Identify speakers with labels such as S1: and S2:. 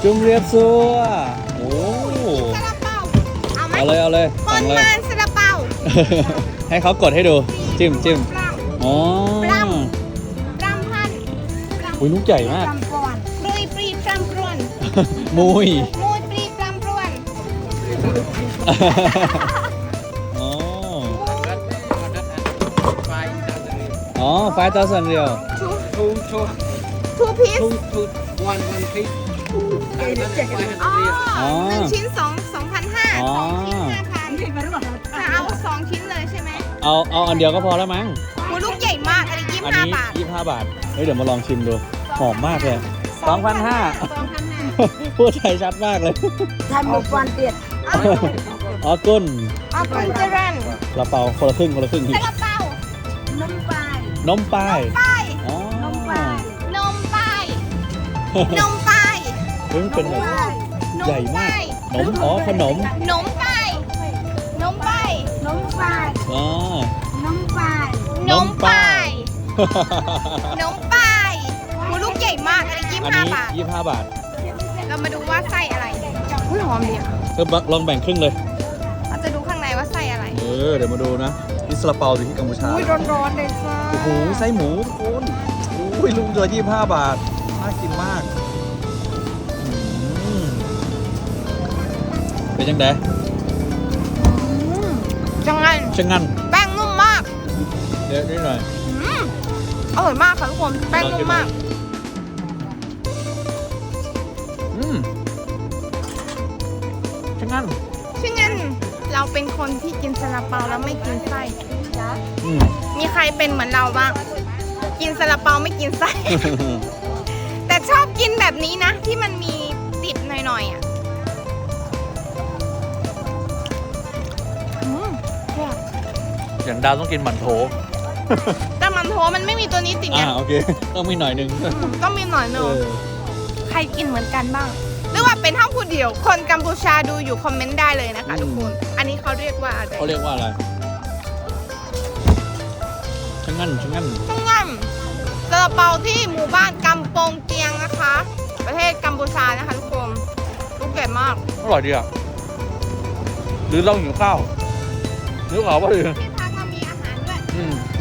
S1: จุ่มเรียบซัวโอ้
S2: ซาลาเปาเอาไหม
S1: เอาเลย
S2: ป
S1: สั่
S2: น
S1: งเลย
S2: มันซาลาเปา
S1: ให้เขากดให้ดูจิ้มอ๋อ
S2: ปรำพัน
S1: อุ้ยลูกใหญ่มาก
S2: ปรำปรวนปรุยปรีปรำปรวน
S1: มุย
S2: มูยปรีปรำปรวน
S1: อ๋ออ๋อ5,000 เรียว
S2: ทูพีซ
S3: one piece.
S2: อ๋อหนึ่งชิ้น2,500
S1: อ๋อ
S2: สองชิ้น5,000จะเอา2ชิ้นเลยใช่ไหม
S1: เอาอันเดียวก็พอแล้วมั้ง
S2: หมูลูกใหญ่มากอันนี้
S1: อันนี้
S2: 25 บาท
S1: 25 บาท เฮ้ยเดี๋ยวมาลองชิมดู หอมมากเลย 2,500 พูดไทยชัดมากเลย
S4: ทำหมูกวันเตียด
S1: อ๋อกุ้น
S2: เอาเป็นเจริญ
S1: กระเป๋าคนละครึ่ง
S2: ซาลาเปา
S4: น้ำปลาย
S1: นมป้าย
S2: ป้าย
S1: อ๋อน
S4: มปลาย
S2: นมป้ายนมป้าย
S1: เฮ้ยมันเป็นแบบ
S2: น
S1: ใหญ่มาก นม อ๋อ ขนม
S2: นมป้ายนมป้าย
S4: น้ำปลาย
S1: อ๋อ
S4: น้ำปลาย
S2: นมป้ายนมป้ายหมูลูกใหญ่มากอันนี้
S1: อันนี้
S2: 25 บาท
S1: 25 บาท
S2: เรามาดูว่าไส้อะไรอุ้ยหอมดีอะ
S1: ลองแบ่งครึ่งเลย
S2: เราจะดูข้างในว่าไส้อะไร
S1: เดี๋ยวมาดูนะนี่ซาลาเปาอยู่ที่กัมพูชา
S2: อุ้ยร้อนๆเลยจ้า
S1: โอ้โห ไส้หมูทุกคนอุ้ยลูกเดียว25 บาท น่ากินมากอืมเป็นยังไง
S2: จังไง
S1: ช่างงั้น
S2: แป้งนุ่มมาก
S1: เดี๋ยวนิดหน่อย
S2: อร่อยมากค่ะทุกคนแป้งนุ่มมาก
S1: ช่างงั้น
S2: ชื่องั้นเราเป็นคนที่กินซาลาเปาแล้วไม่กินไส้
S1: อืม
S2: มีใครเป็นเหมือนเราบ้าง กินซาลาเปาไม่กินไส้ แต่ชอบกินแบบนี้นะ ที่มันมีติดหน่อยๆอ่ะแซ่บ
S1: อย่างดาวต้องกินหมั่นโถ
S2: แต่มันโถมันไม่มีตัวนี้ติดไง
S1: โอเค ต้องมีหน่อยหนึง
S2: ต้องมีหน่อยหนึง
S1: เออ
S2: ใครกินเหมือนกันบ้าง หรือว่าเป็นเท่าผู้เดียว คนกัมพูชาดูอยู่คอมเมนต์ได้เลยนะคะทุกคน อันนี้เขาเรียกว่าอะไร
S1: เขาเรียกว่าอะไรช่างงั้น
S2: ต้องงั้นซาลาเปาที่หมู่บ้านกัมปงเกียงนะคะ ประเทศกัมพูชานะคะทุกคนลูกใหญ่มาก
S1: อร่อยดีอ่ะ หรือเราหิวข้าวหรือเปล่าว่า
S2: ที่พักเรามีอาหารด้วย
S1: อืม